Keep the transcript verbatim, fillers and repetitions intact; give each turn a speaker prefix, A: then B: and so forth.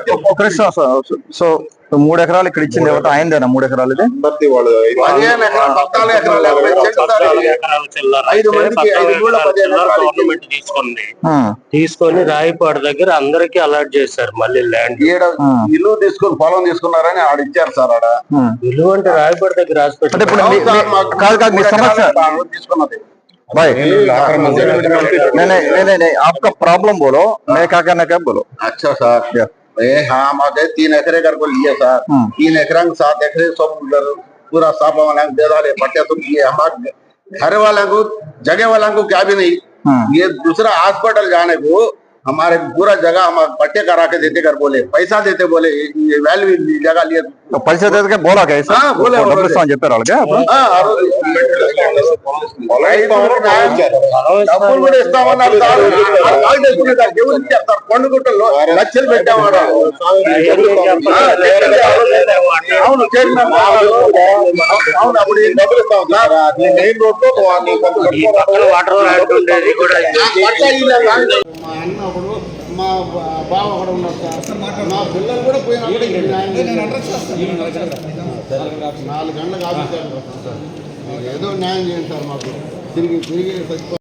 A: ఒక నిమిషం sir. So మూడు ఎకరాలు ఇక్కడ ఇచ్చింది ఎవరు ఆయనదేనా మూడు ఎకరాలు ఇది
B: అందరిది వాళ్ళు
C: పదిహేను ఎకరాలు పద్నాలుగు ఎకరాలు యాభై చెట్లు సార్ ఇది. ఐదు మందికి ఐదు మూడు పదిహేను ఎకరాలు
D: గవర్నమెంట్ తీసుకుంది. తీసుకొని రాయపాడు దగ్గర అందరికి అలాట్ చేశారు మళ్ళీ ల్యాండ్.
C: ఈడ ఇల్లు తీసుకుని పొలం తీసుకున్నారని ఆడ ఇచ్చారు సార్. ఆడ
D: ఇల్లు అంటే రాయపాడు దగ్గర హాస్పిటల్
A: కాదు కాదు మీ సమస్య
C: తీసుకున్నది
A: भाई नहीं नहीं नहीं नहीं आपका प्रॉब्लम बोलो मैं क्या करना क्या बोलो।
C: अच्छा सर हाँ हमारे तीन एकरे घर को लिए सर तीन एकरा सात एकरे सब पूरा साफ वाला दे डाले पट्टे तो ये हमारे घर वाला को जगह वाला को क्या भी नहीं ये दूसरा हॉस्पिटल जाने को हमारे पूरा जगह हम पट्टे करा के देते कर बोले पैसा देते बोले ये वैल्यू जगह लिए
A: तो पैसा देते के बोला कैसे
C: हाँ बोले
A: చెప్పారు వాళ్ళకి
C: డబ్బులు కూడా ఇస్తామన్నారు సార్. ఎవరు ఇచ్చారు సార్? కొండగుట్టల్లో లక్షలు పెట్టామన్నా. అవును చైర్మన్ అవును అప్పుడు డబ్బులు ఇస్తాం సార్. మెయిన్ రోడ్ లో
E: మా అన్న ఒకడు మా బావ ఒకడు ఉన్నారు సార్. మా పిల్లలు కూడా పోయినప్పుడు నాలుగు గంటలకు ఆఫీస్ ఏదో న్యాయం చేయండి సార్. మాకు తిరిగి తిరిగి